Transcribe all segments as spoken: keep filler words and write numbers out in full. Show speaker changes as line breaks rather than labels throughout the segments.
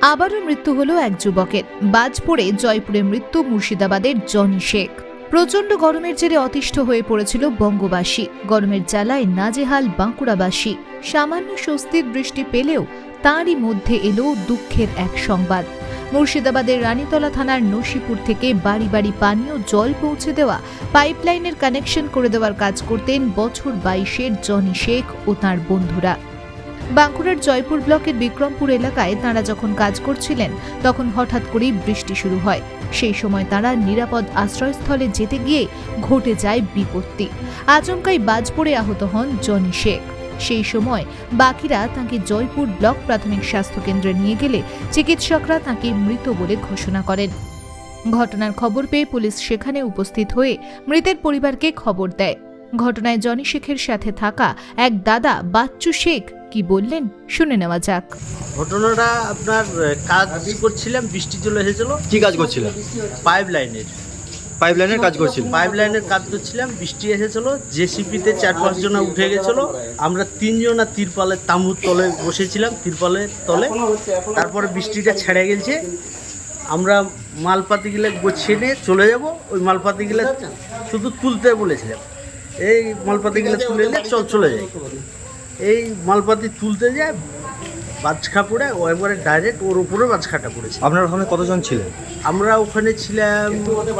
আবারও মৃত্যু হলো এক যুবকের। বাজ পড়ে জয়পুরে মৃত্যু মুর্শিদাবাদের জনি শেখ। প্রচণ্ড গরমের জেরে অতিষ্ঠ হয়ে পড়েছিল বঙ্গবাসী। গরমের জ্বালায় নাজেহাল বাঁকুড়াবাসী। সামান্য স্বস্তির বৃষ্টি পেলেও তারই মধ্যে এলো দুঃখের এক সংবাদ। মুর্শিদাবাদের রানীতলা থানার নসিপুর থেকে বাড়ি বাড়ি পানীয় জল পৌঁছে দেওয়া, পাইপলাইনের কানেকশন করে দেওয়ার কাজ করতেন বছর বাইশের জনি শেখ ও তাঁর বন্ধুরা। বাঁকুড়ার জয়পুর ব্লকের বিক্রমপুর এলাকায় তাঁরা যখন কাজ করছিলেন, তখন হঠাৎ করেই বৃষ্টি শুরু হয়। সেই সময় তাঁরা নিরাপদ আশ্রয়স্থলে যেতে গিয়ে ঘটে যায় বিপত্তি। আচমকাই বাজ পড়ে আহত হন জনি শেখ। সেই সময় বাকিরা তাঁকে জয়পুর ব্লক প্রাথমিক স্বাস্থ্য কেন্দ্রে নিয়ে গেলে চিকিৎসকরা তাঁকে মৃত বলে ঘোষণা করেন। ঘটনার খবর পেয়ে পুলিশ সেখানে উপস্থিত হয়ে মৃতের পরিবারকে খবর দেয়। ঘটনায় জনি শেখের সাথে থাকা এক দাদা বাচ্চু শেখ কি বললেন শুনে নেওয়া যাক।
ঘটনাটা আপনার কাজ করছিলাম, বৃষ্টি চলে এসেছিল।
কি কাজ করছিলেন?
পাইপ লাইনের
পাইপ লাইনের কাজ করছিলেন?
পাইপ লাইনের কাজ করছিলাম, বৃষ্টি এসেছিল। জেসিপিতে চার পাঁচ জনা উঠে গেছিল। আমরা তিনজনা তিরপালের তাঁবুর তলে বসেছিলাম, তিরপালের তলে। তারপরে বৃষ্টিটা ছেড়ে গেছে, আমরা মালপাতিগুলো গোছিয়ে নিয়ে চলে যাব। ওই মালপাতিগুলো শুধু তুলতে বলেছিলাম, এই মালপাতিগুলো তুলে নিয়ে চল চলে যাই। এই মালপাতি তুলতে যায়, বাজখা পড়ে ও একবারে ডাইরেক্ট ওর উপরে বাজখাটা পড়েছে।
আপনার ওখানে কতজন ছিলেন?
আমরা ওখানে ছিলাম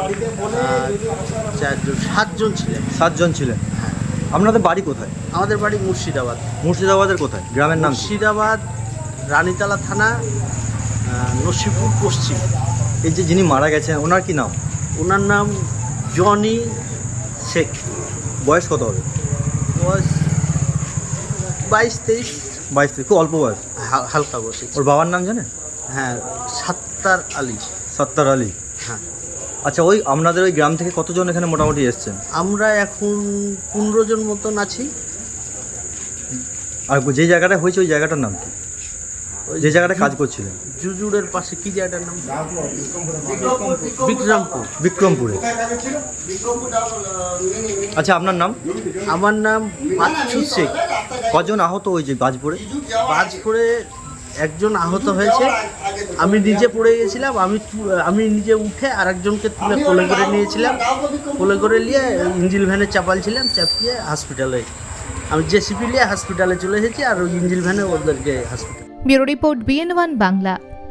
চারজন সাতজন ছিলাম।
সাতজন ছিলেন। আপনাদের বাড়ি কোথায়?
আমাদের বাড়ি মুর্শিদাবাদ।
মুর্শিদাবাদের কোথায়? গ্রামের নাম কি?
মুর্শিদাবাদ রানীতলা থানা, নসিপুর পশ্চিম।
এই যে যিনি মারা গেছেন ওনার কি নাম?
ওনার নাম জনি শেখ।
বয়স কত হবে?
বয়স বাইশ তেইশ।
বাইশ থেকে, খুব অল্প বয়স।
হা- হালকা বসে।
ওর বাবার নাম জানেন?
হ্যাঁ, সাত্তার আলী।
সত্তার আলী।
হ্যাঁ।
আচ্ছা, ওই আপনাদের ওই গ্রাম থেকে কতজন এখানে মোটামুটি এসছেন?
আমরা এখন পনেরো জন মতন আছি।
আর যে জায়গাটা হয়েছে ওই জায়গাটার নাম কি?
ওই
যে জায়গাটা কাজ করছিলেন?
জুজুড়ের পাশে কি জায়গাটার নাম? বিক্রমপুর।
বিক্রমপুরে। আচ্ছা, আপনার নাম?
আমার নাম বাচ্চু শেখ।
কজন আহত হয়েছে বাজ পড়ে?
বাজ পড়ে একজন আহত হয়েছে। আমি নিজে পড়ে গেছিলাম। আমি তু- আমি নিজে উঠে আরেকজনকে তুলে কোলে করে নিয়েছিলাম। কোলে করে নিয়ে ইঞ্জিল ভ্যানে চাপালছিলাম, চাপিয়ে হসপিটালে আমি জেসিপি নিয়ে হসপিটালে চলে এসেছি। আর ওই ইঞ্জিল ভ্যানে ওদেরকে hospital.
Bureau report BN one Bangla.